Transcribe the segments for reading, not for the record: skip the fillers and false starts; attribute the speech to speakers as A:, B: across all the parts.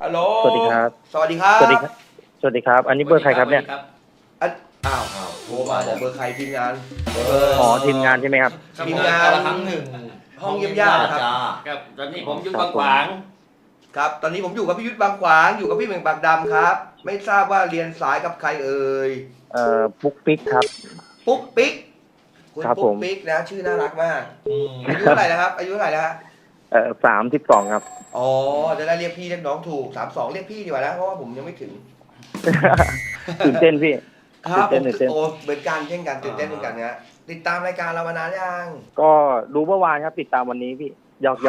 A: ฮัลโหล
B: สวัสดีครับ
A: สวัสดีครับ
B: สวัสดีครับสวัสดีครับ อันนี้เบอร์ใครครับเนี่ย
A: อันอ้าวโทรมาบอกเบอร์ใครทีมงาน
B: อ๋อทีมงานใช่ไหมครับ
A: ทีมงาน
C: ครั้งหนึ่ง
A: ห้องเยี่ยมญาติครับ
C: ครับตอนนี้ผมอยู่
B: ครับ
C: บางขวาง
A: ครับ ตอนนี้ผมอยู่กับพี่ยุทธบางขวางอยู่กับพี่เหม่งปากดำครับ ไม่ทราบว่าเรียนสายกับใครเอ่ย
B: ปุ๊กปิ๊กครับ
A: ปุ๊กปิ๊กคุณ
B: ครับ
A: ปุ๊
B: ผ
A: ก
B: ม
A: ปิ๊กนะชื่อน่ารักมากอายุเท่าไหร่นะครับอายุเท่าไหร่นะฮะ
B: 32ครับ
A: อ๋อจะได้เรียกพี่เรียกน้องถูก32เรียกพี่ดีกว่านะเพราะว่าผมยังไม่ถึง
B: ตื่นเต้นพี่
A: ครับผม
B: ตื่นเต้น
A: โอ้เหมือนกันเช่นกันตื่นเต้นเหมือนกันนะติดตามรายการเรามานานยัง
B: ก็ดูเมื่อวานครับติดตามวันนี้พี่หยอก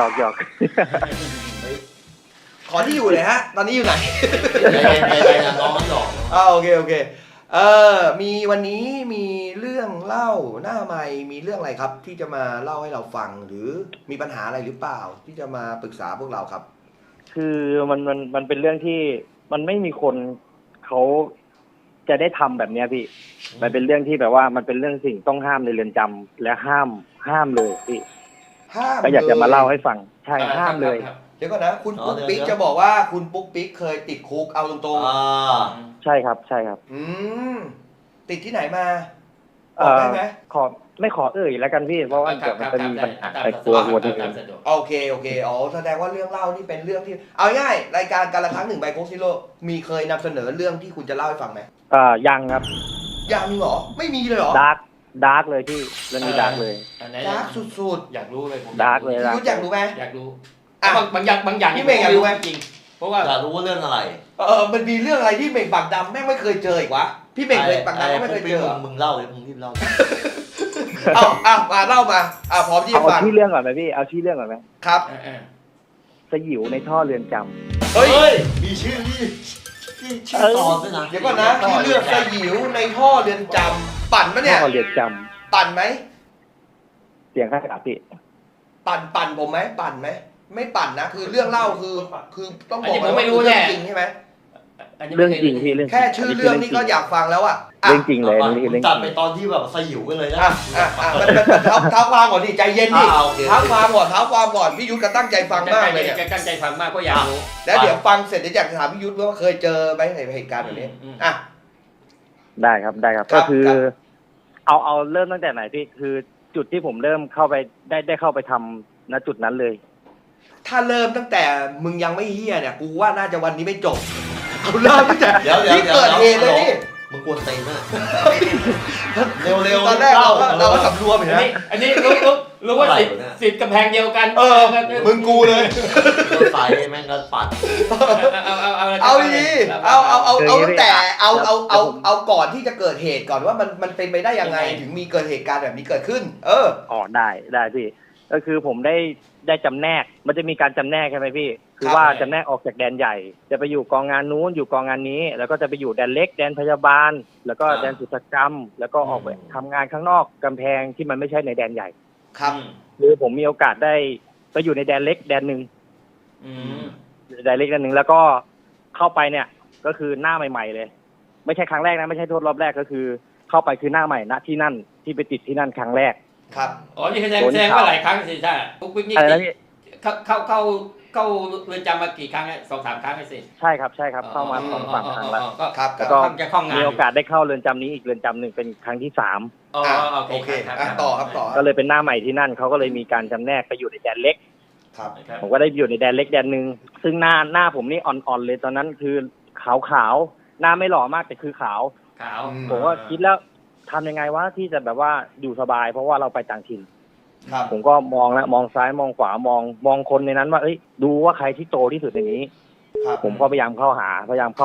A: ขอที่อยู่เลยฮะ ตอนนี้อยู่ไหน
C: ใจนะน้องหยอก
A: โอเคโอเคมีวันนี้มีเรื่องเล่าหน้าใหม่มีเรื่องอะไรครับ ที่จะมาเล่าให้เราฟังหรือมีปัญหาอะไรหรือเปล่า ที่จะมาปรึกษาพวกเราครับ
B: คือมันเป็นเรื่องที่มันไม่มีคนเขาจะได้ทำแบบเนี้ยพี่ มันเป็นเรื่องที่แบบว่ามันเป็นเรื่องสิ่งต้องห้ามในเรือนจำและห้ามเลยพี่
A: ห้าม
B: ก็อยากจะมาเล่าให้
A: ลย
B: ฟังใช่ห้ามเลย
A: เดี๋ยวก่อนนะคุณปุ๊กปิ๊กจะบอกว่าคุณปุ๊กปิ๊กเคยติดคุกเอาตรง
B: ใช่ครับใช่ครับ
A: ๆติดที่ไหนมาบอกได้ไหม
B: ขอไม่ขอแล้วกันพี่ เพราะว่าเดี๋ยวมันจะมีปัญหาไอ้กลัวที่อื่น
A: โอเคอ๋อแสดงว่าเรื่องเล่านี่เป็นเรื่องที่เอาง่ายรายการการละครั้งหนึ่งใบโคกซิโร่มีเคยนำเสนอเรื่องที่คุณจะเล่าให้ฟังไหม
B: ยังครับ
A: ยังเหรอไม่มีเลยเหรอ
B: ดาร์กเลยพี่เรื่องนี้ดาร์กเลย
A: ดาร์กสุด
C: อยากรู้เลยผม
B: ดาร์กเลย
A: ๆพี่ยุทธอยากรู้ไหม
C: อยากรู้
A: อ่ะ
C: บางอย่าง
A: พี่เมย์อยากรู้ไหม
C: จริงเพราะว่าอยากรู้ว่าเรื่องอะไร
A: มันมีเรื่องอะไรที่เม่งปากดำแม่งไม่เคยเจออีกวะพี่เม่งเลยปากดำก็ไม่เคยเจอ
C: มึงเล่าเลยมึงรีบเล่า
A: เอามาเล่ามาพร้อมที่จะ
B: เอา
A: ฟัง
B: ที่เรื่องก่อนไหมพี่เอาที่เรื่องก่อนไหม
A: ครับ
B: สยิวในท่อเรือนจำ
A: เฮ้ย
C: มีชื่อชื่อตอนด้วยนะ
A: เดี๋ยวก่อนนะที่เลือกสยิวในท่อเรือนจำปั่นปะเนี่ย
B: ท่อเรือนจ
A: ปั่นไหม
B: ำเสียงข้างกับพี่
A: ปั่นผมไหมปั่นไหมไม่ปั่นนะคือเรื่องเล่าคือต้องบอก
C: ผมไม่รู้
A: เรื่
C: แน่
A: จริงใช่ไหม
B: เรื่องจริงพี่เรื่องจริง
A: แค่ชื่อเรื่องนี่ก็อยากฟังแล้วอ่ะ
B: เรื่องจริงเลยนี่เรื่องจ
C: ตัด
B: ริง
C: ไปตอนที่แบบสยิวกันเลยนะ
A: มันเท้าความก่อนดิใจเย็นดิ
C: โอเค
A: เท้าความก่อนพี่ยุทธก็ตั้งใจฟังมากเลยเนี่ย
C: ตั้งใจฟังมากก็อยากรู้
A: แล้วเดี๋ยวฟังเสร็จเดี๋ยวอยากจะถามพี่ยุทธว่าเคยเจอไหมในเหตุการณ์แบบนี้อ่ะ
B: ได้ครับ
A: ครับ
B: ก็คือ
A: ครับ
B: เอาเริ่มตั้งแต่ไหนพี่คือจุดที่ผมเริ่มเข้าไปได้เข้าไปทำณจุดนั้นเลย
A: ถ้าเริ่มตั้งแต่มึงยังไม่เฮี้ยเนี่ยกูว่าน่าจะวันนี้ไม่จบเอาเริ่มตั้งแต่
C: เดี๋ยว
A: ที่เกิดเหตุเลยนี่
C: มึงกวนตีนมากเร็ว
A: ตอนแรกเราก็สำรวมเห็นไหม
C: อันนี้รู้ว่าสิทธิ์กำแพงเดียวกัน
A: มึงกูเลย
C: ใส่แม่งก็ปัด
A: เอาดีเอาตั้งแต่เอาก่อนที่จะเกิดเหตุก่อนว่ามันเป็นไปได้ยังไงถึงมีเกิดเหตุการณ์แบบนี้เกิดขึ้น
B: อ๋อได้พี่ก็คือผมได้จำแนกมันจะมีการจำแนกใช่ไหมพี่คือว่าจำแนกออกจากแดนใหญ่ จะไปอยู่กองงานนู้นอยู่กองงานนี้ แล้วก็จะไปอยู่แดนเล็กแดนพยาบาล แล้วก็แดนศุลกรรม แล้วก็ออกไปทำงานข้างนอกกำแพงที่มันไม่ใช่ในแดนใหญ่
A: ครับ
B: คือผมมีโอกาสได้ไปอยู่ในแดนเล็กแดนหนึ่งแดนเล็กแดนหนึ่งแล้วก็เข้าไปเนี่ยก็คือหน้าใหม่ๆเลย ไม่ใช่ครั้งแรกนะไม่ใช่โทษรอบแรกก็คือ เข้าไปคือหน้าใหม่ณที่นั่นที่ไปติดที่นั่นครั้งแรก
A: ครับ
C: อ๋อนี่แสดงว่าหลายครั้งสิใช่ปุ๊กปิ๊กนี่
B: อะไรนะพี่
C: เข้าเรือนจำมากี่ครั้ง2-3 ครั้งสิ
B: ใช่ครับเข้ามา2-3ครั้งแล้ว
A: ครับ
B: แล้วก็
C: จะคล่องงาน
B: มีโอกาสได้เข้าเรือนจำนี้อีกเรือนจำหนึ่งเป็นครั้งที่3
A: โอเคต่อครับต่อ
B: ก็เลยเป็นหน้าใหม่ที่นั่นเขาก็เลยมีการจำแนกไปอยู่ในแดนเล็ก
A: ครับ
B: ผมก็ได้อยู่ในแดนเล็กแดนหนึ่งซึ่งหน้าผมนี่อ่อนๆเลยตอนนั้นคือขาวหน้าไม่หล่อมากแต่คือขาว
C: ขาว
B: ผมก็คิดแล้วทำยังไงวะที่จะแบบว่าอยู่สบายเพราะว่าเราไปต่างถิ่น
A: ครับ
B: ผมก็มองแล้วมองซ้ายมองขวามองคนในนั้นว่าดูว่าใครที่โตที่สุดในนี้
A: ครับ
B: ผมก็พยายามเข้าหา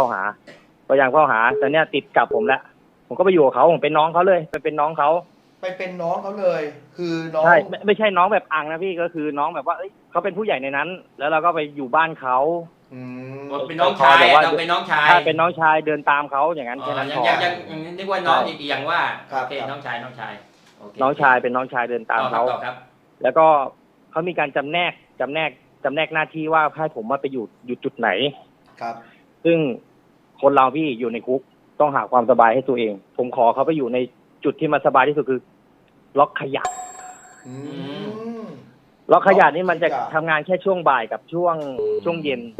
B: แต่เนี่ยติดกับผมแล้วผมก็ไปอยู่กับเขาผมเป็นน้องเขาเลยไปเป็นน้องเขา
A: ไปเป็นน้องเขาเลย คือน้อง
B: ใช่ไม่ใช่น้องแบบอังนะพี่ก็คือน้องแบบว่าเขาเป็นผู้ใหญ่ในนั้น แล้วเราก็ไปอยู่บ้านเขา
C: เป็นน้องชายเราเป็นน้องชาย
B: ถ้าเป็นน้องชายเดินตามเขาอย่างนั้นแค่นั้นพอ
C: ยังนึกว่าน้องอีกอย่างว่า
A: ครับ
C: โอเคน้องชาย
B: น้องชายเป็นน้องชายเดินตามเขา
C: ครับ
B: แล้วก็เขามีการจำแนกหน้าที่ว่าให้ผมมาไปอยู่จุดไหน
A: ครับ
B: ซึ่งคนเราพี่อยู่ในคุกต้องหาความสบายให้ตัวเอง ผมขอเขาไปอยู่ในจุดที่มันสบายที่สุดคือล็อกขยะ ล็อกขยะนี่มันจะทำงานแค่ช่วงบ่ายกับช่วงเย็น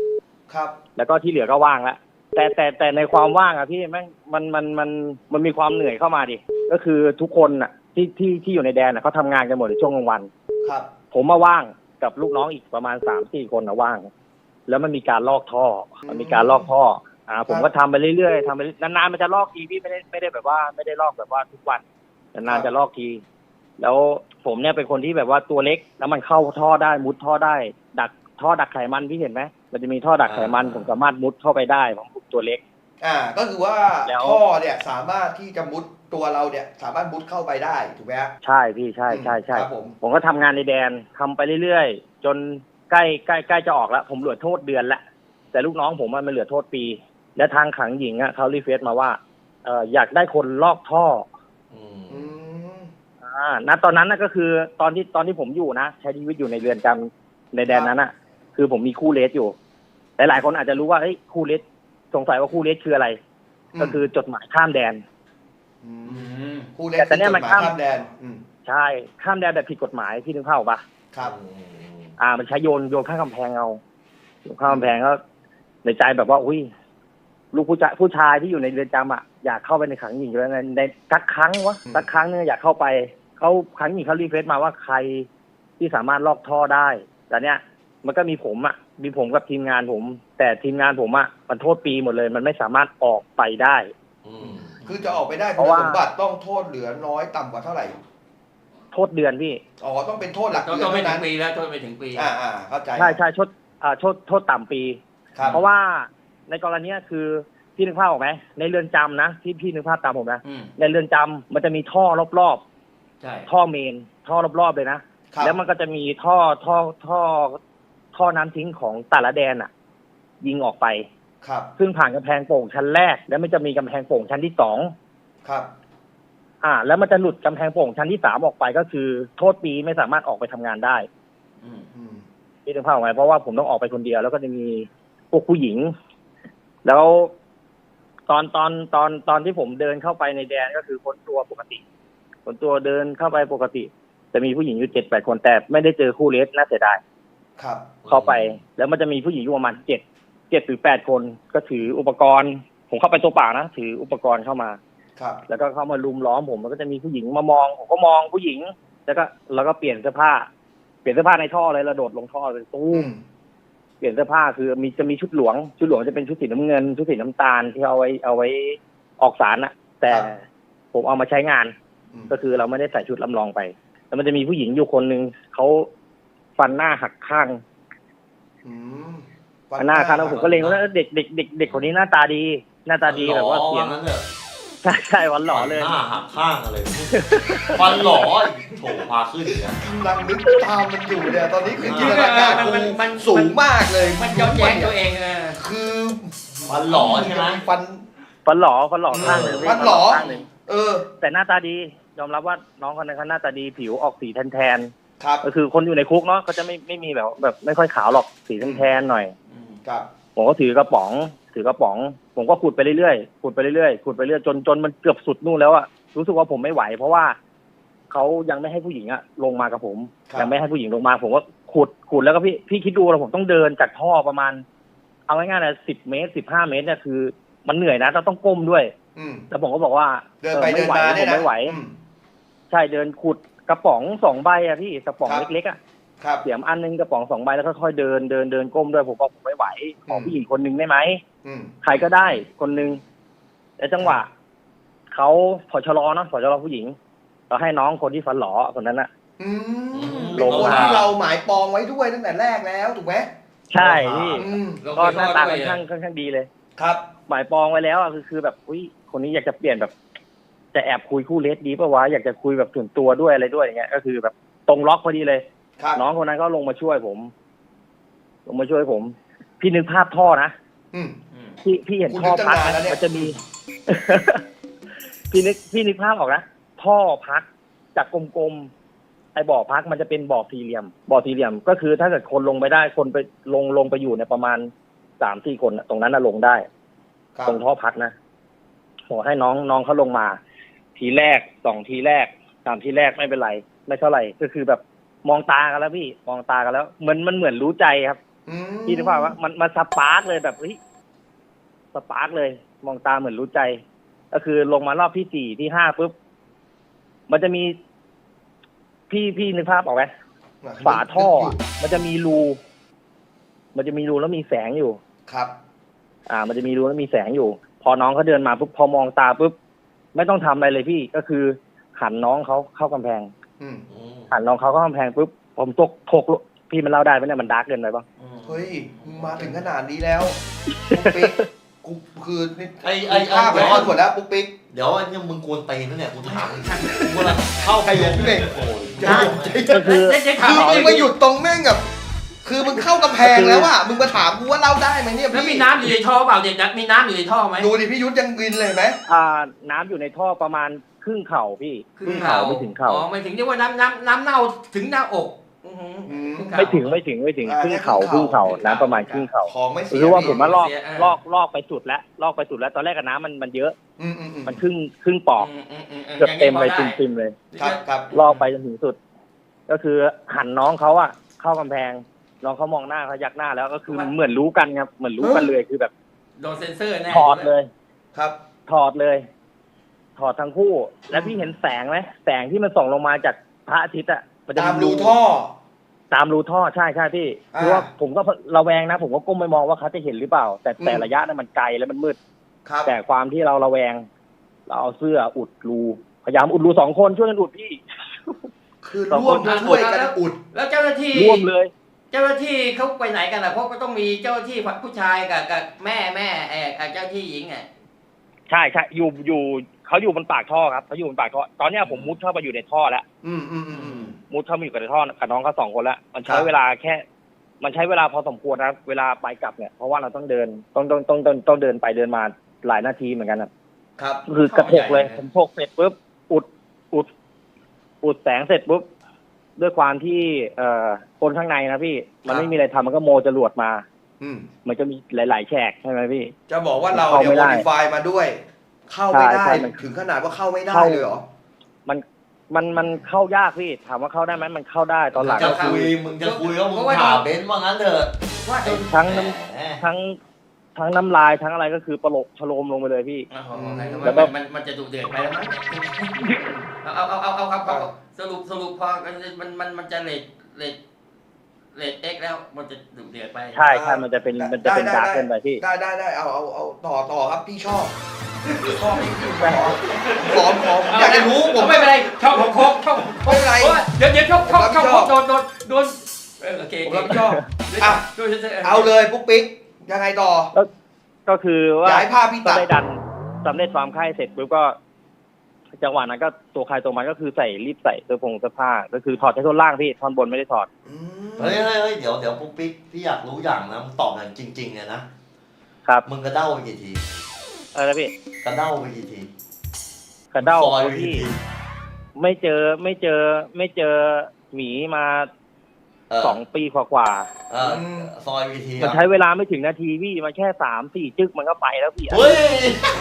A: ครับ
B: แล้วก็ที่เหลือก็ว่างแล้วแต่ในความว่างอะพี่แม่งมันมีความเหนื่อยเข้ามาดิก็คือทุกคนอะที่อยู่ในแดนอะเขาทำงานกันหมดในช่วงกลางวัน
A: ครับ
B: ผมมาว่างกับลูกน้องอีกประมาณ3-4 คนนะว่าง แล้วมันมีการลอกท่อ มันมีการลอกท่อผมก็ทำไปเรื่อยๆทำไปนานๆมันจะลอกทีพี่ไม่ได้แบบว่าไม่ได้ลอกแบบว่าทุกวันนานๆจะลอกที แล้วผมเนี่ยเป็นคนที่แบบว่าตัวเล็กแล้วมันเข้าท่อได้มุดท่อได้ ดักท่อดักไขมันพี่เห็นไหมมันจะมีท่อดักไขมันผมสามารถมุดเข้าไปได้ผมตัวเล็ก
A: ก็คือว่า
B: แล้ว
A: ท่อเนี่ยสามารถที่จะมุดตัวเราเนี่ยสามารถมุดเข้าไปได้ถูกไหมฮะ
B: ใช่พี่ใช่
A: ครับผม
B: ผมก็ทำงานในแดนทำไปเรื่อยๆจนใกล้จะออกแล้วผมเหลือโทษเดือนละแต่ลูกน้องผมมันเหลือโทษปี และทางขังหญิงเขารีเควสมาว่าอยากได้คนลอกท่อ
A: อืม
B: ณตอนนั้นก็คือตอนที่ผมอยู่นะใช้ชีวิตอยู่ในเรือนจำในแดนนั้นคือผมมีคู่เลสอยู่หลายๆคนอาจจะรู้ว่าเฮ้ยคู่เลสสงสัยว่าคู่เลสคืออะไร ก็คือจดหมายข้ามแดน
A: คู่เล็กคือจดหมายข้ามแดน
B: ใช่ข้ามแดนแบบผิดกฎหมายพี่นึกภาพออกปะ
A: ครับ
B: มันใช้โยนข้ามกำแพงเอาโยนข้ามกำแพงก็ในใจแบบว่าอุ้ยลูกผู้ชายที่อยู่ในเรือนจำอยากเข้าไปในขังหญิงอยู่แล้วในสักครั้งสักครั้งนึงอยากเข้าไปเขาขังหญิงเขารีเควสมาว่าใครที่สามารถลอกท่อได้แต่เนี้ยมันก็มีผมกับทีมงานผม แต่ทีมงานผมมันโทษปีหมดเลย มันไม่สามารถออกไปได้
A: คือจะออกไปได้
B: เพ
A: คุณ
B: ราะว่า
A: สมบัติต้องโทษเหลือน้อยต่ำกว่าเท่าไหร่
B: โทษเดือนพี่
A: ต้องเป็นโทษหลัก
C: ต้
A: เดื
C: อ
A: อน
C: งไม่
A: เท่า
C: ถึ
A: นั้
C: ง
A: น
C: ปีแล้วต้องไม่ถึงปี
A: เข้าใจ
B: ใช่โทษต่ำปี
A: ครับ
B: เพราะว่าในกรณีคือพี่นึกภาพออกไหมในเรือนจำนะที่พี่นึกภาพตามผมนะในเรือนจำมันจะมีท่อรอบ
C: ใช่
B: ๆท่อเมนท่อรอบๆเลยนะแล้วมันก็จะมีท่อน้ำทิ้งของแต่ละแดนยิงออกไป
A: ครับ
B: ซึ่งผ่านกำแพงโป่งชั้นแรกแล้วมันจะมีกำแพงโป่งชั้นที่2
A: ครับ
B: แล้วมันจะหลุดกำแพงโป่งชั้นที่3ออกไปก็คือโทษปีไม่สามารถออกไปทำงานได้พี่นึกภาพออกไหมเพราะว่าผมต้องออกไปคนเดียวแล้วก็จะมีพวกผู้หญิง แล้วตอนที่ผมเดินเข้าไปในแดนก็คือค้นตัวปกติค้นตัวเดินเข้าไปปกติจะมีผู้หญิงอยู่7-8 คนแต่ไม่ได้เจอคู่เลสน่าเสียดาย
A: ครับ
B: เข้าไปแล้วมันจะมีผู้หญิงอยู่ประมาณ7-8 คนก็ถืออุปกรณ์ผมเข้าไปตัวเปล่านะถืออุปกรณ์เข้ามา
A: ครับ
B: แล้วก็เข้ามาลุมล้อมผมมันก็จะมีผู้หญิงมามองผมก็มองผู้หญิงแล้วก็เปลี่ยนเสื้อผ้าในท่อเลยระโดดลงท่อเลยตู้มเปลี่ยนเสื้อผ้าคือจะมีชุดหลวงจะเป็นชุดสีน้ำเงินชุดสีน้ำตาลที่เอาไว้ออกสารแต่ผมเอามาใช้งานก็คือเราไม่ได้ใส่ชุดลำลองไปแล้วมันจะมีผู้หญิงอยู่คนนึงเขาฟันหน้าหักข้างหน้าข้างแล้วผมก็เล็งว่าเด็กคนนี้หน้าตาดีแบบว่าเสียงใช่วันหล่อเลย
D: หน้าหักข้างอะไรวันหล่อโถพาขึ้นเนี่ย
A: กำลังนึกตามมันอยู่เนี่ยตอนนี้คือจินตนาการมันสูงมากเลย
C: มันย้อนแย้งตัวเอง
A: คือ
D: วันหล่อใช่ไหม
B: ฟันหล่อข้างหนึ่ง
A: ฟันหล่อ
B: แต่หน้าตาดียอมรับว่าน้องคนนั้นเขาหน้าตาดีผิวออกสีแทน
A: ครับ
B: ก็คือคนอยู่ในคุกเนาะก็จะไม่มีแบบไม่ค่อยขาวหรอกสีแทนหน่อย
A: ครับ
B: ผมก็ถือกระป๋องผมก็ขุดไปเรื่อยจนมันเกือบสุดนู่นแล้วรู้สึกว่าผมไม่ไหวเพราะว่าเขายังไม่ให้ผู้หญิงลงมากับผมยังไม่ให้ผู้หญิงลงมาผมก็ขุดแล้วก็พี่คิดดูแล้วผมต้องเดินจากท่อประมาณเอาง่ายๆนะ10 เมตร 15 เมตรเนี่ยคือมันเหนื่อยนะต้องก้มด้วยแล้วผมก็บอกว่า
A: เดินไปเดินมาเนี่ยนะ
B: ไม่ไหวใช่เดินขุดกระป๋อง2 ใบพี่กระป๋องเล็กๆเสียมอันนึงกระป๋อง2 ใบแล้วค่อยๆเดินก้มด้วยผมบอกผมไม่ไหวขอผู้หญิงคนนึงได้ไหมใครก็ได้คนนึงแต่จังหวะเขาผอชรเนาะผอชรผู้หญิงเราให้น้องคนที่ฟันหล่อคนนั้น
A: ลงคนที่เราหมายปองไว้ด้วยตั้งแต่แรกแล้วถูกไหม
B: ใช่พี่ก็หน้าตาค่อนข้างดีเลย
A: ครับ
B: หมายปองไว้แล้วคือแบบอุ้ยคนนี้อยากจะเปลี่ยนแบบจะแอบคุยคู่เลสดีป่ะวะอยากจะคุยแบบส่วนตัวด้วยอะไรด้วยอย่างเงี้ยก็คือแบบตรงล็อกพอดีเลยน้องคนนั้นก็ลงมาช่วยผมพี่นึกภาพท่อนะพี่เห็นท่อพักมันจะมี พี่นึกภาพออกนะท่อพักจากกลมๆไอ้บ่อพักมันจะเป็นบ่อสี่เหลี่ยมก็คือถ้าเกิดคนลงไปได้คนไปลงไปอยู่ในประมาณ3-4 คนตรงนั้นลงได้ตรงท่อพักนะขอให้น้องเขาลงมาทีแรก2 ทีแรก3 ทีแรกไม่เป็นไรไม่เท่าไหร่ก็คือแบบมองตากันแล้วพี่มองตากันแล้วมันเหมือนรู้ใจครับพี่นึกภาพว่ามันสปาร์กเลยแบบเฮ้ยสปาร์กเลย มองตาเหมือนรู้ใจ ก็คือลงมารอบที่สี่ที่ห้าปุ๊บมันจะมีพี่นึกภาพออกไหมฝาท่ออะมันจะมีรูแล้วมีแสงอยู่
A: ครับ
B: มันจะมีรูแล้วมีแสงอยู่ พอน้องเขาเดินมาปุ๊บพอมองตาปุ๊บไม่ต้องทำอะไรเลยพี่ก็คือหันน้องเขาเข้ากำแพง
A: อืม
B: หันน้องเขาเข้ากำแพงปุ๊บผมถกพี่มันเล่าได้ไหมเนี่ยมันดาร์กเกินไปปะ
A: เฮ้ยมึงมาถึงขนาดนี้แล้วปุ๊กปิ๊กกูคือนี่
D: ไอ้
A: ภาพไปทอดหมดแล้วปุ๊กปิ๊ก
D: เดี๋ยวไอ้เนี่ยมึงกวนตีนนะเนี่ยกูถามมึงกูกำลังเข้าไปลงโอ้ย
B: ก็คือ
A: คือมึงมาหยุดตรงแม่งแบบคือมึงเข้ากำแพงแล้วอ่ะมึงมาถามกูว่าเล่าได้ไหมเนี่ย
C: แล้วมี
A: พี่
C: น้ำอยู่ในท่อเปล่าเด็กนักมีน้ำอยู่ในท่อไหม
A: ดูดิพี่ยุทธยังกินเลยไหม
B: น้ำอยู่ในท่อประมาณครึ่งเข่าพี่
C: ครึ่งเข่า
B: ไม่ถึงเข่า
C: อ๋อไม่ถึงเรียกว่าน้ำเน่าถึงหน้าอกอื้อหือ
A: อืม
C: ครึ่งเข่า
B: ไม่ถึงครึ่งเข่าน้ำประมาณครึ่งเข่า
A: ของไม่เสีย
B: คือว่าผมมาลอก
C: เสีย
B: ลอกไปสุดแล้วลอกไปสุดแล้วตอนแรกกับน้ำมันเยอะ
A: อืม
B: มันครึ่งปอก
C: อืม
B: เกือบเต็มเลย
C: อย่างนี้พอได้
B: ติมเลย
A: ครับครับ
B: ลอกไปจนถึงสุด ก็คือหันน้องเขาอะเข้ากำแพงน้องเขามองหน้าเขายักหน้าแล้วก็คือเหมือนรู้กันครับเหมือนรู้กันเลยคือแบบ
C: โดนเซ็นเซอร์แน่
B: ถอดเลย
A: ครับ
B: ถอดเลย ถอดทั้งคู่ แล้วพี่เห็นแสงไหมแสงที่มันส่องลงมาจากพระอาทิตย์อะมันจะ
A: ตามรูท่อ
B: ตามรูท่อใช่พี่
A: อ่า
B: คือว่าผมก็ระแวงนะ ผมก็ก้มไปมองว่าเขาจะเห็นหรือเปล่า แต่ระยะนั้นมันไกลแล้วมันมืด
A: ครับ
B: แต่ความที่เราระแวง เราเอาเสื้ออุดรูพยายามอุดรู2 คนช่วยกันอุดพี่
A: คือร่วมช่วยกันอุด
C: แล้วเจ้าหน้าที่
B: ร่วมเลย
C: เจ้าหน้าที่เขาไปไหนกันล่ะเพราะก็ต้องมีเจ้าหน้าที่ผู้ชายกับแม่เจ้าหน้าที่หญิงอ่ะ
B: ใช่อยู่เขาอยู่บนปากท่อครับเขาอยู่บนปากท่อตอนเนี้ยผมมุดเข้าไปอยู่ในท่อแล้ว
A: อืม
B: มุดเข้ามาอยู่กับในท่อกับน้องเขา2 คนแล้วมันใช้
A: ครับ
B: เวลามันใช้เวลาพอสมควรนะเวลาไปกลับเนี่ยเพราะว่าเราต้องเดินต้องเดินไปเดินมาหลายนาทีเหมือนกันนะครับ คือกระทกเลยผมทกเสร็จปุ๊บอุดแสงเสร็จปุ๊บด้วยความที่คนข้างในนะพี่มันไม่มีอะไรทำมันก็โมจรวดมา
A: อืม
B: มันจะมีหลาย ๆ แฉกใช่ไหมพี่
A: จะบอกว่าเรา
B: เข้า
A: เนี่ย
B: ไม่
A: โม
B: ได้
A: ดิฟายมาด้วย เข้าไม่ได้
B: ใช่มัน
A: ถึงขนาดว่าเข้าไม่ได้
B: เข้า
A: เลยเหรอ
B: มันเข้ายากพี่ถามว่าเข้าได้ไหมมันเข้าได้ตอนหลัง
D: จะ
B: ก็
D: คุ
B: คื
D: ย
B: อ
D: มึงจะคุยว่ามึงถามเบนซ์ว่างั้นเถอะ
C: ว่าไอ้
B: ทั้ง
D: แหม
B: ทั้งน้ำลายทั้งอะไรก็คือประโลกชโลมลงไปเลยพี่
C: โอ้โหไหน
B: แล้วก็
C: มันจะดุเดือดไปแล้วมั้งเอาครับสรุปพอมันจะเลทเอ็กแล้วมันจะดุเดือดไป
B: ใช่มันจะเป็นดาร์กเกินไปพี่
A: ได้เอาต่อครับพี่ชอบขออยากจะรู้ผม
C: ไม่เป็นไรชอบของโคกชอบ
A: ไม่เป็นไร
C: เดี๋ยวชอบโคกโดนโอเค
A: ผมรับผิดชอบอ่ะ
C: โดน
A: เอาเลยปุ๊กปิ๊กยังไงต่อ
B: ก็คือว่า
A: ย้ายภาพพี่
B: ก็
A: ตัด
B: ได้ดันสำเร็จความไข้เสร็จปุ๊บก็ จังหวะนั้นก็ตัวใครตัวมันก็คือรีบใส่เสื้อผ้าก็คือถอดแค่ท่อนล่างพี่ท่อนบนไม่ได้ถอด
D: เฮ้ยเดี๋ยวปุ๊กปิ๊กพี่อยากรู้อย่างนะมึงตอบอย่างจริงๆเนี่ยนะครับ มึงกระเด้าไปกี่ที
B: อะไรนะพี่
D: กระเด้าไปกี่ที
B: กระเด้า
D: ซอยไปกี่
B: พี่
D: ที
B: ไม่เจอหมีมา 2 ปีกว่า
D: ซอยไปกี่ที
B: ๆมันใช้เวลาไม่ถึงนาทีพี่มันแค่3-4 จึ๊กมันก็ไปแล้วพี่
D: เฮ้ย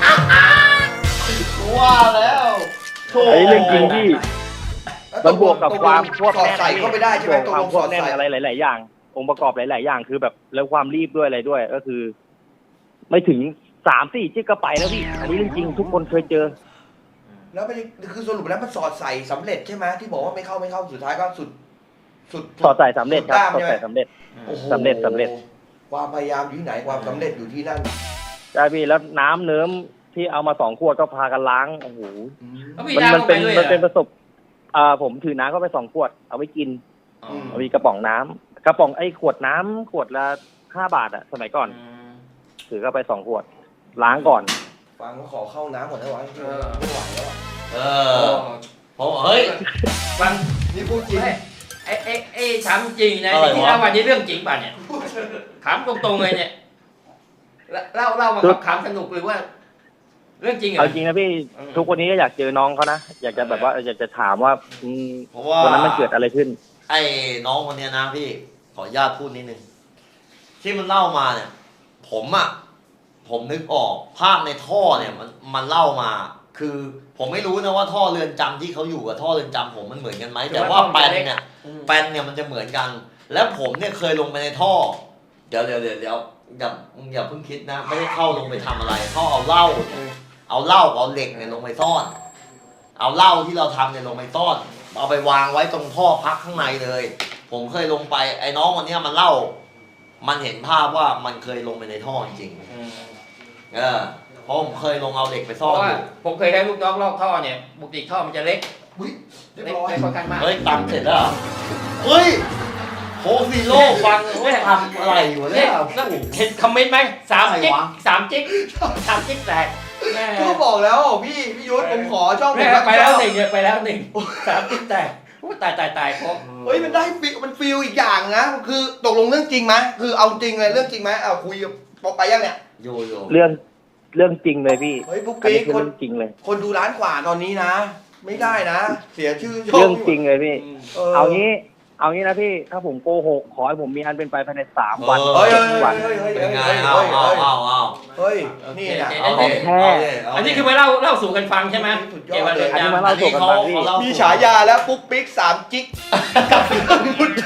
D: ว่าแล้วโถ่
B: อันนี้เรื่องจริงพี่ มันบวกกับความควบ
A: สอด
B: แน่น
A: ใส่เข้าไปได้ใช่ไหม
B: บวก
A: ตก
B: ความ
A: ลง
B: ค
A: ส
B: ว
A: อบ ด
B: แน่น
A: ใส่
B: อะไรหลายๆอย่าง องค์ประกอบหลายๆอย่างคือแบบแล้วความรีบด้วยอะไรด้วย ก็คือ ไม่ถึง3-4 จึ๊กก็ไปแล้วพี่อันนี้เรื่องจริงทุกคนเคยเจอ
A: แล้วไม่ได้คือสรุปแล้วมันสอดใส่สำเร็จใช่ไหมที่บอกว่าไม่เข้าสุดท้ายก็สุด
B: สอดใส่สำเร็จครับ
A: ด้าม
B: สอด
A: ใช่ไหม
B: ใส่สำเร็จ
A: โอ้โห
B: สำเร็จ
A: ความพยายามอยู่ที่ไหนความสำเร็จอยู่ที่นั่น
B: ใช่พี่แล้วน้ำเนิ้มที่เอามา2 ขวดก็พากันล้างโอ้โห
C: แล้วมี
B: มัน
C: น้ำลงไป
B: เป็น
C: ด้วย
B: มันเป็นประสบผมถือน้ำเข้าไป2 ขวดเอาไว้กิน เอามีกระป๋องน้ำกระป๋องขวดน้ำขวดละ5 บาทอะสมัยก่อนถือเข้าไป2 ขวด ล้างก่อน
A: ฟังก็ขอเข้าน้ำก่อนได้ไหมไม่ไหวแล้วอะ
D: ผมเฮ้ย
C: ฟัง
A: นี่พูดจริง
C: ไอ้ถามจริงนะ
D: อะไรวะ
C: ที่เล่าวันนี้เรื่องจริงป่ะเนี่ยถามตรงๆเลยเนี่ยเล่ามาขำสนุกหรือว่า เรื่องจริงเหรอ
B: เอาจริงนะพี่ทุกวันนี้ก็อยากเจอน้องเขานะอยากจะแบบว่าอยากจะถามว่า
D: เพราะว่า
B: วันนั้นมันเกิดอะไรขึ้น
D: ไอ้น้องคนเนี้ยนะพี่ขออนุญาตพูดนิดนึงที่มันเล่ามาเนี่ย ผมนึกออกภาพในท่อเนี่ยมันเล่ามา คือผมไม่รู้นะว่าท่อเรือนจำที่เขาอยู่กับท่อเรือนจำผมมันเหมือนกันไหมแต่ว่าแปลนเนี่ยมันจะเหมือนกัน แล้วผมเนี่ยเคยลงไปในท่ออย่าอย่าเพิ่งคิดนะ ไม่ได้เข้าลงไปทำอะไรเขาเอาเหล้าเอาเหล็กเนี่ยลงไปซ่อน เอาเหล้าที่เราทำเนี่ยลงไปซ่อน เอาไปวางไว้ตรงท่อพักข้างในเลย ผมเคยลงไปไอ้น้องคนเนี้ยมันเล่า มันเห็นภาพว่ามันเคยลงไปในท่อจริงๆเพราะผมเคยลงเอาเหล็กไป
C: เพ
D: ซ่อ
C: ราะ
D: น
C: ว่า
D: อยู่
C: ผมเคยให้ลูกน้องลอกท่อเนี่ยปกติท่อมันจะเล็ก
A: อุ๊ยเรียบ
C: เล็ก
A: ร้อย
C: ค่อนข้างมาก
D: เฮ้ยตำเสร็จแล้วเหรอเฮ้ยโคซีโร่ฟังว่าทำอะไรอยู่
C: เนี่
D: เนี่ย ย
C: เห็นคอมเมนต์ไหม
D: อะไร
C: 3 จิ๊ก
D: วะ
C: 3 จิ๊ก3 จิ๊กแตกแม่
A: ก็บอกแล้วพี่ยุทธผมขอช่องผม
C: แม่
A: รับ
C: ไปแล้ว
A: ช่อง
C: 1เนี่ยไปแล้ว1 3 จิ๊กแตกอู้ตายครบ
A: เฮ้ยมันได้ฟีลมันฟีลอีกอย่างนะคือตกลงเรื่องจริงไหมคือเอาจริงเลยเรื่องจริงไหมเอาคุยกับไปยังเนี่ย
D: โย
B: เรื่องจริงเลยพี่
A: เฮ้ยปุ๊ก
B: อัน
A: ปิ๊
B: นี้
A: ก
B: คือ
A: คน
B: เรื่องจริงเลย
A: คนดูล้านกว่าตอนนี้นะ ไม่ได้นะ เสียชื่อช่
B: เรื่องจริงเลยพี่
A: เอา
B: เอางี้นะพี่ ถ้าผมโกหกขอให้ผมมีอันเป็นไปภายใน3 วัน
A: เฮ้ย
B: วัน
D: เป็นไง
A: เฮ้ย
D: เอา
A: เฮ้ยนี่นะ
C: โอเค อันนี้คือมาเล่าสู่กันฟังใช่ไหม
A: สุดยอด
C: เกี่ยวกับเรื่อง
B: อันนี้
C: จำ
B: มาเล่าสู่กันฟังพี่
A: มีฉายาแล้วปุ๊กปิ๊ก3 จิ๊กกับมุดโช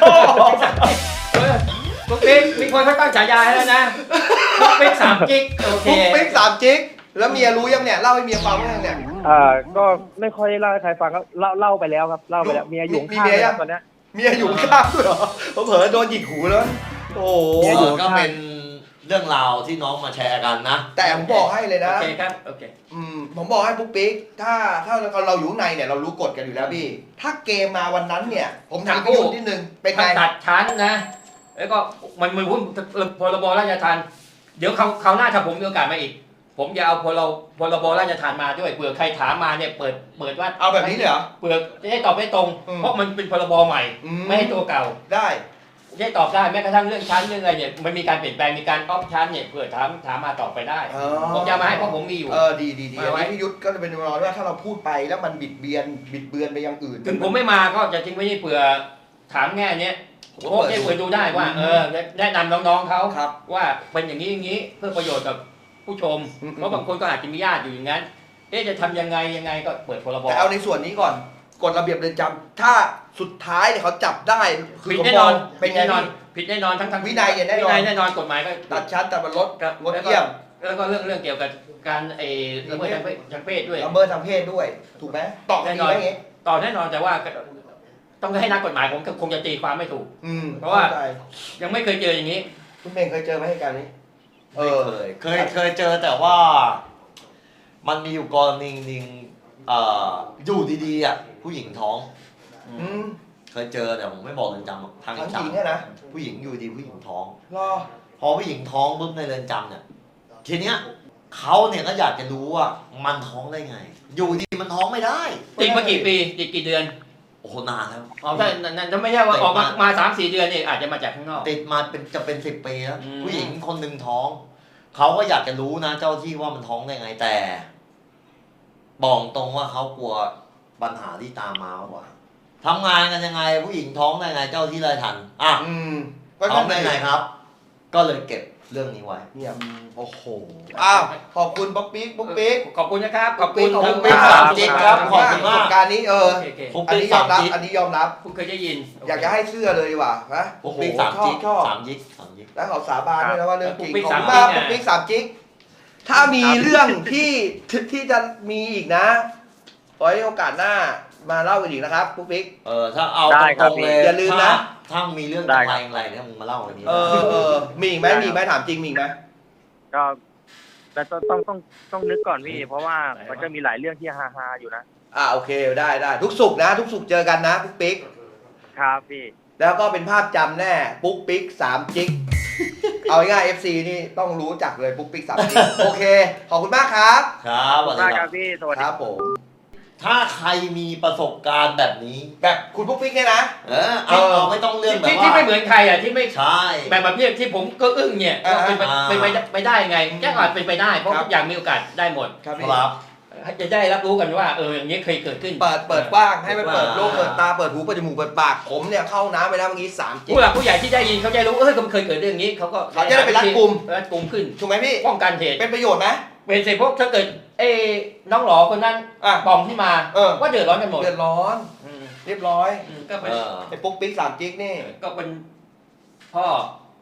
C: ปุ๊กปิ๊กมีคนเขาตั้งฉายาให้แล้วนะปุ๊กปิ๊ก3 จิ๊กโอเค
A: ปุ๊กปิ๊ก3 จิ๊กแล้วเมียรู้ยังเนี่ยเล่าให้เมียฟังยังเนี่ย
B: ก็ไม่ค่อยได้เล่าให้ใครฟังก็เล่าไปแล้วครับเล่าไปแล้วเมียอยู่
A: มี
B: ข้าง
A: เมีย
B: เลย
A: ยั
B: ค
A: ง
B: รับตอนเนี้ย
A: เมียอยู่ข้างด้วยเหรอเผลอๆโดนหยิกหูแล้วโอ้โห
B: เมียอยู่
D: ก็เป็นเรื่องราวที่น้องมาแชร์กันนะ
A: แต่ผมบอกให้เลย
C: โอ
A: นะ
C: เคครับโอเค
A: ผมบอกให้ปุ๊กปิ๊กถ้าเราอยู่ข้างในเนี่ยเรารู้กฎกันอยู่แล้วพี่ ถ้าเกมมาวันนั้นเนี่ย ผมถามพี่ยุทธนิดนึงเป็นไง
C: ถ้าตัดชั้นนะ แล้วก็มันหุ้นพรบราชทานเดี๋ยวคราวหน้าถ้าผมมีโอกาสมาอีก ผมจะเอาพรบราชทานมาด้วยเผื่อใครถามมาเนี่ยเปิดว่า
A: เอาแบบนี้เลยเหรอ
C: เผื่อจะได้ตอบได้ตรง เพราะมันเป็นพรบใหม่ ไม่ให้ตัวเก่า
A: ได้
C: จะได้ตอบได้แม้กระทั่งเรื่องชั้นเรื่องอะไรเนี่ยมันมีการเปลี่ยนแปลงมีการออฟชั้นเนี่ยเผื่อถามมาตอบไปได้ ผมจะมาให้เพราะผมมีอยู่
A: ดีอันนี้พี่ยุทธก็จะเป็นรอว่าถ้าเราพูดไปแล้วมันบิดเบือนไปอย่างอื่น
C: ถึงผมไม่มาก็จะทิ้งไว้นี่เผื่อถามแง่เนี้ยโอเคเผื่อดูได้ว่าแนะนำน้องๆเขา
A: ครับ
C: ว่าเป็นอย่างนี้เพื่อประโยชน์กับผู้ชม เพราะบางคนก็อาจจะมีญาติอยู่อย่างนั้นจะทำยังไงก็เปิดพรบ
A: แต่เอาในส่วนนี้ก่อนกฎระเบียบเรือนจำถ้าสุดท้ายเนี่ยเขาจับได้คื
C: ผิด
A: เขา
C: แน่นอน
A: เป็นไง
C: แน่นอนผิดแน่นอนทั้ง
A: วินัยเนี่ยแน่นอน
C: วินัยแน่นอนกฎหมายก็
A: ตัดชั้นตัดบรรลด
C: ครับ
A: งดเยี่ยม
C: แล้วก็เรื่องเกี่ยวกับการละเมิดทางเพศด้วย
A: ละเมิดทางเพศด้วย ถูกไหมตอบดีไหมอย่างงี้
C: ต่อแน่นอนแต่ว่าต้องให้นักกฎหมายผมคงจะตีความไม่ถูก เพราะว่า
A: ข้ใจ
C: ยังไม่เคยเจออย่างนี้
A: คุณเมงเคยเจอไหมเหตุการณ์นี้
D: เคยเจอแต่ว่า มันมีอยู่กรณีหนึงอยู่ดีๆอ่ะผู้หญิงท้อง
A: อืม
D: เคยเจอแต่ผมไม่บอกเรือนจำหรอกทาง
A: ทั้ง
D: เรือน
A: หญิง
D: จำ
A: เนี่ยนะ
D: ผู้หญิงอยู่ดีผู้หญิงท้อง
A: รอ
D: พอผู้หญิงท้องปุ๊บในเรือนจำเนี่ยทีเนี้ยเขาเนี่ยก็อยากจะรู้ว่ามันท้องได้ไง อยู่ดีมันท้องไม่ได้
C: ติดมากี่ปีติดกี่เดือน
D: โอ้โหนานแล้ว
C: ถ้าไม่ใช่ว่าออกมา3-4 เดือนเนี่ยอาจจะมาจากข้างนอก
D: ติดมาเป็น10 ปีแล้ว
C: อืม
D: ผู้หญิงคนหนึ่งท้องเขาก็อยากจะรู้นะเจ้าที่ว่ามันท้องได้ไงแต่บอกตรงว่าเขากลัวปัญหาที่ตามมากกว่าทำงานกันยังไง ผู้หญิงท้องได้ไงเจ้าที่เลยทันอ่ะ
A: ก็
D: ท้องได้ไงครับ ก็เลยเก็บเรื่องนี้ไว้
A: เนี่ยโอ้โหอ้าวขอบคุณป๊อกปิ๊กปุ๊กปิ๊ก
C: ขอบคุณนะครับขอบคุณ
A: ขอบคุณ
C: ทั้ง
A: ปิ๊ก
C: สาม
D: จริ
C: จิ๊
D: ง
C: ก
D: ค
C: ค
D: รั
C: รับ บ
D: ขอบคุณมาก
A: ประสบการณ์นี้
C: โอเค
D: ปุ๊ก
A: อัน
D: ปิ๊ก
A: นี้ยอมรับ
D: 3 จิ๊ก
A: อันนี้ยอมรับ
C: คุณเคยได้ยิน
A: อยากจะให้เสื้อเลยดีกว่านะ
D: ปุ๊กปิ๊ก
A: โอ้โห
D: 3 จิ๊ก
A: ชอบ
D: 3 จิ๊ก 3 จิ๊ก
A: แล้วเขาสาบานด้วยนะว่าเรื่องจริง
C: ปุ๊กปิ๊ก
A: ขอบคุณ
C: สาม
A: มาก
C: จิ๊ก
A: ปุ๊กปิ๊ก3 จิ๊กถ้ามีเรื่องที่จะมีอีกนะไว้โอกาสหน้ามาเล่ากันอีกนะครับปุ๊กปิ๊ก
D: ถ้าเอา
B: ได้
D: ต
B: ครั
D: ร
B: บ
D: งๆเลย
A: อย่าลืมนะ
D: ถ้ามีเรื่อง
B: ได้
D: อะไร
B: ครับ
D: อะไรเนี่ยมึงมาเล่าอันนี้
A: มีอีกไหมมีอีกไหมถามจริงมีอีกไหม
B: ก็แต่ต้องนึกก่อนพี่ เพราะว่ามันก็มีหลายเรื่องที่ฮาๆอยู่นะ
A: โอเคได้ทุกสุกร์นะทุกสุกร์เจอกันนะปุ๊กปิ๊ก
B: ครับพี่
A: แล้วก็เป็นภาพจำแน่ปุ๊กปิ๊ก3 จิ๊กเอาง่ายๆ FC นี่ต้องรู้จักเลยปุ๊กปิ๊ก3 จิ๊กโอเคขอบคุณมากครับ
D: ครับสวัสดี
B: ได้
D: ค
B: ค
D: รั
B: รั
D: บบ
B: พี่สวัส
A: ค
B: ดี
A: รับผม
D: ถ้าใครมีประสบการณ์แบบนี้
A: แบบคุณปุ๊กปิ๊กเนี่ยนะ
D: เอาไม่ต้องเรื่องแบบ
C: ที่
D: ว่า
C: ไม่เหมือนใครอ่ะที่ไม่
D: ใช่
C: แบบนี้ที่ผมก็อึ้งเนี่ยว่าเป็นไปได้ไงแค่อาจเป็นไปได้เพราะ
A: ครับ
C: ทุกอย่างมีโอกาสได้หมด
A: ครับ
D: ครับ
C: จะได้รับรู้กันว่าอย่างนี้เคยเกิดขึ้น
A: เปิดกว้างให้มันเปิดโลกเปิดตาเปิดหูเปิดจมูกเปิดปากผมเนี่ยเข้าน้ำไปแล้วเมื่อกี้3 จิ๊ก
C: ผู้หลักผู้ใหญ่ที่ได้ยินเขาจะรู้มันเคยเกิดเรื่องนี้เขาก็
A: เขาจะได้ไปรัดกุม
C: ขึ้น
A: ถูกไหมพี่
C: ป้องกันเหตุ
A: เป็นประโยชน์ไหม
C: เป็นเสร็จพวกถ้าเกิดน้องหลอคนนั้น ปองที่มา ว่าเดือดร้อนกันหมด
A: เดือดร้อนเรียบร้อย
C: ก็เป็น
A: ไอ้ปุ๊กปิ๊ก3 จิ๊กนี่
C: ก็เป็นพ่อ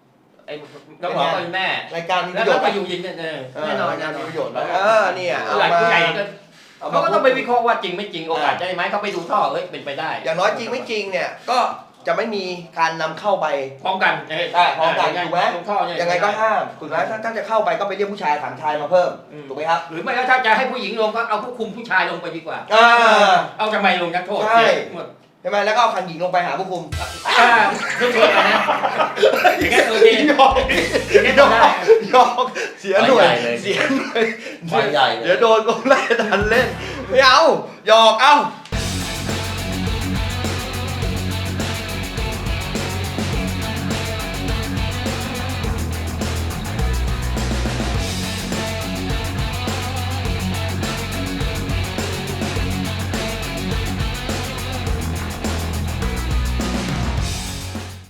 C: ไอ้น้องหมอก็เป็นแม่
A: รายการมีป
C: แล้ว
A: ระโย
C: ก็
A: ชน์
C: ไปอยู่ยินแน่นอน
A: รายการมีประโยชน์
C: แล้ว
A: เนี่ยเอา
C: หลาย
A: มา
C: ผู้ใหญ่ก็
A: เอามา
C: เขาก็ต้องไปวิเคราะห์ว่าจริงไม่จริงโอกาสได้ไหมเขาไปดูท่อเฮ้ยเป็นไปได้
A: อย่างน้อยจริงไม่จริงเนี่ยก็จะไม่มีการนำเข้าไป
C: พร้อมกัน
A: ได้พร้อมกันถูกไหม
C: ลงท่อเนี่ย
A: ยังไงก็ห้ามถูกไหมถ้าจะเข้าไปก็ไปเรียกผู้ชายถามชายมาเพิ่มถูกไหมครับ
C: หรือไม่ก็ถ้าจะให้ผู้หญิงลงก็เอาผู้คุมผู้ชายลงไปดีกว่า เอาทำไมลงนักโทษ
A: ใช่
C: หมด
A: ใช่ไหมแล้วก็เอาคันหญิงลงไปหาผู้คุม
C: ทุกคนนะอย่างเงี้ยโอเค
A: ยอก
C: อย่างเงี้ยทำได้
A: ยอกเสียหน่วย
D: ไปใหญ่เลย
A: เสียหน่วย
D: ไปใหญ่เลย
A: เดี๋ยวโดนกองไล่ทันเล่นไม่เอาหยอกเอ้า